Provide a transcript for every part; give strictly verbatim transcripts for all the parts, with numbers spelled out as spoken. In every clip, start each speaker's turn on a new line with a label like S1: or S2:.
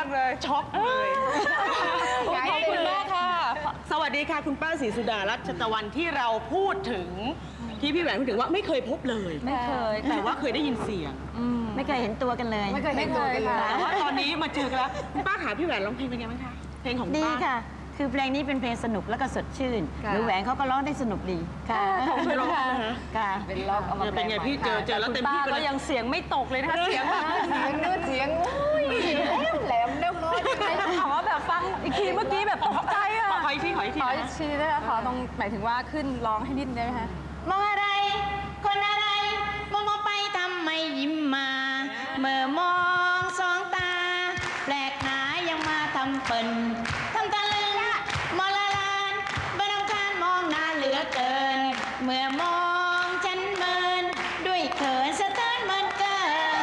S1: เลยช็อกเลยขอบคุณมากค่ะสวัสดีค่ะคุณป้าศรีสุดารัชตะวันที่เราพูดถึงที่พี่แหวนพูดถึงว่าไม่เคยพบเลย
S2: ไม่เคย
S1: แต่ว่าเคยได้ยินเสียง
S2: ไม่เคยเห็นตัวกันเลย
S3: ไม่เคยเห็นตัวกันเลย
S1: แต่ว่าตอนนี้มาเจอกันแล้วคุณป้าหาพี่แหวนร้องเพลงเป็นไงบ้างคะเพลงของป้า
S2: ดีค่ะคือเพลงนี้เป็นเพลงสนุกแล้วก็สดชื่นหรือแหวนเขาก็ร้องได้สนุกดีค่ะ
S1: ขอบคุณค่ะ
S2: ค่ะ
S3: เป็นล็อกเอามา
S1: เป็นไงพี่เจอเจอแล้วเต็มที่
S4: ก็ยังเสียงไม่ตกเลยนะคะเสียงแบบ
S3: เสียงนู้นเสียงอุ้ยแหลมเด้งน้อยยังไง
S4: ถามว่าแบบฟังอีกทีเมื่อกี้แบบตกใจอ่ะ
S1: ขออีกทีขออีกที
S4: ขออีกทีได้ไหมขอตรงหมายถึงว่าขึ้นร้องให้นิดได้ไหมคะ
S2: มองอะไรคนอะไรมองมองไปทำไมยิ้มมาเมื่อมองสองตาแปลกหนายังมาทำเปิ่นทำตะลึงมองละลานบ้านคานมองหน้าเหลือเกินเมื่อมองฉันเมินด้วยเขินสะเทือนมันเกิน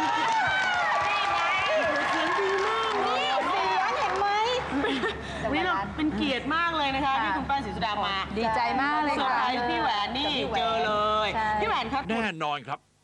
S1: เสียงดีมากเลย
S2: เสียงเห็นไหม
S1: วิเราเป็นเกียรติมากเลยนะคะที่คุณป้าศรีสุดามา
S4: ดีใจมากเลย
S1: เซอร์
S4: ค่ะ
S1: ไพรส์พี่แหวนนี่เจอเลยพี่แหวนครับ
S5: แน่นอนครับ